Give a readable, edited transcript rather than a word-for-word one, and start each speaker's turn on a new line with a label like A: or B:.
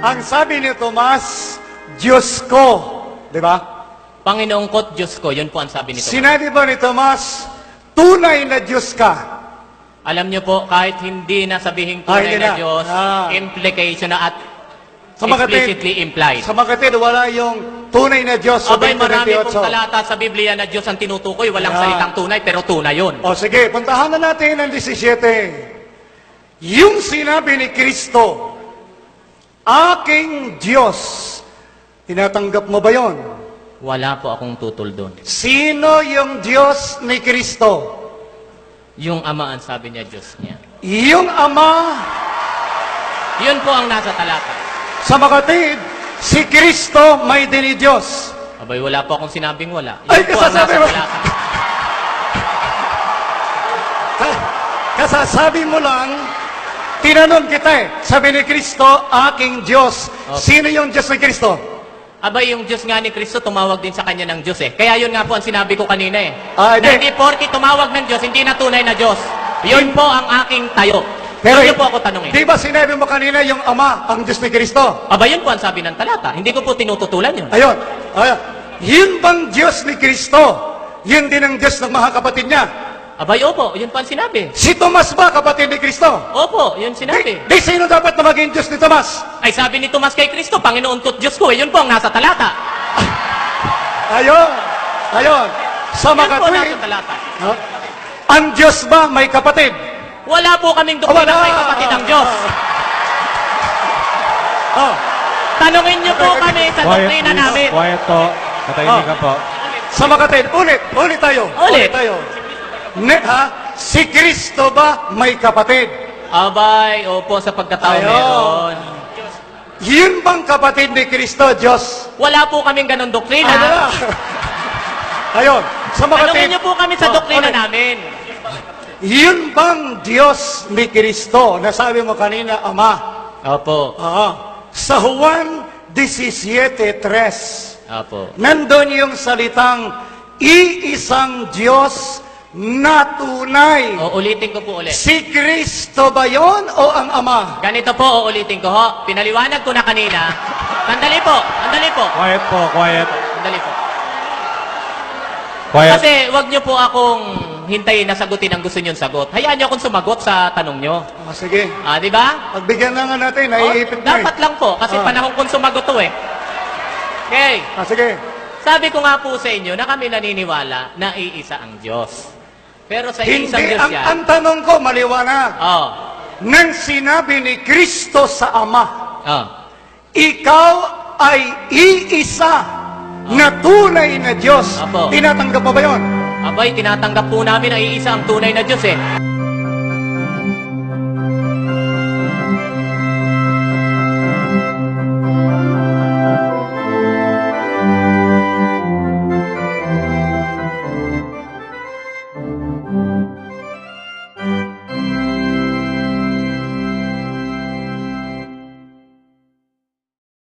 A: Ang sabi ni Tomas, Diyos ko. Di ba?
B: Panginoong ko't Diyos ko, yun po ang sabi nito.
A: Sinabi ba ni Tomas, tunay na Diyos ka?
B: Alam niyo po, kahit hindi na sabihin tunay
A: hindi
B: na
A: na.
B: Diyos, implication na at explicitly implied.
A: Sa mga kapatid, wala yung tunay na Diyos sa
B: Abay, marami pong
A: 2028.
B: talata sa Biblia na Diyos ang tinutukoy. Walang salitang tunay, pero tunay yun.
A: O sige, puntahan na natin ang 17. Yung sinabi ni Kristo, aking Diyos, tinatanggap mo ba yon?
B: Wala po akong tutol doon.
A: Sino yung Diyos ni Kristo?
B: Yung Ama ang sabi niya, Diyos niya.
A: Yung Ama.
B: Yun po ang nasa talata.
A: Sa makatid, si Kristo may dinidiyos.
B: Abay, wala po akong sinabing wala. Yun
A: Ay,
B: po ang
A: kasasabi
B: nasa
A: mo.
B: talata.
A: Kasasabi mo lang, tinanong kita eh. Sabi ni Kristo, aking Diyos.
B: Okay.
A: Sino yung Diyos ni Kristo?
B: Abay, yung Diyos nga ni Kristo, tumawag din sa kanya ng Diyos eh. Kaya yun nga po ang sinabi ko kanina eh.
A: Ah,
B: Na
A: hindi.
B: hindi porki tumawag ng Diyos, hindi na tunay na Diyos. Yun po ang aking tayo.
A: Pero
B: Yun po ako tanongin.
A: di ba sinabi mo kanina yung Ama, ang Diyos ni Kristo?
B: Abay, yun po ang sabi ng talata. Hindi ko po tinututulan yun.
A: Ayun. Yun bang Diyos ni Kristo? Yun din ang Diyos ng mga kapatid niya.
B: Abay, opo, yun po ang sinabi.
A: Si Tomas ba kapatid ni Kristo?
B: Opo, yun sinabi.
A: Di sino dapat na maging Diyos ni Tomas?
B: Ay sabi ni Tomas kay Kristo, Panginoon ko't Diyos ko. Eh, yun po ang nasa talata.
A: Ayun. Ayun. Sa
B: Yun
A: mga
B: po ang
A: kapatid,
B: nasa talata.
A: ang Diyos ba may kapatid?
B: Wala po kaming doktrina may kapatid ang Diyos.
A: Oh.
B: Tanungin niyo po kami sa doktrina namin.
C: Quiet po. Katahimik ka po.
A: Sa mga kapatid, ulit tayo.
B: Ulit.
A: Tayo. Si Kristo ba may kapatid?
B: Abay, opo, sa pagkatao
A: Ayun.
B: meron.
A: Yun bang kapatid ni Kristo, Diyos?
B: Wala po kaming ganun doktrina.
A: Ayun. Sa mga
B: Tanungin niyo po kami sa doktrina
A: ulit.
B: namin.
A: Yun bang Diyos ni Kristo? Nasabi mo kanina, Ama.
B: Opo.
A: Sa Juan 17:3,
B: Opo.
A: nandun yung salitang iisang Diyos na tunay.
B: O, ulitin ko po ulit.
A: Si Kristo ba yon o ang Ama?
B: Ganito po, ulitin ko ho. Pinaliwanag ko na kanina. Sandali po, sandali po.
C: Quiet po, quiet.
B: Sandali po.
C: Quiet.
B: Kasi wag niyo po akong hintayin na sagutin ang gusto niyong sagot. Hayaan niyo akong sumagot sa tanong niyo.
A: Sige.
B: Di ba?
A: Pagbigyan na nga natin, naiipit na
B: Dapat lang po, kasi panahon kong sumagot to eh. Okay.
A: Sige.
B: Sabi ko nga po sa inyo na kami naniniwala na iisa ang Diyos. Pero sa iisang
A: Hindi,
B: Diyos
A: ang tanong ko, maliwanag. Nang sinabi ni Kristo sa Ama, ikaw ay iisa na tunay na Diyos.
B: Apo.
A: Tinatanggap mo ba yon?
B: Abay, tinatanggap po namin na iisa ang tunay na Diyos eh.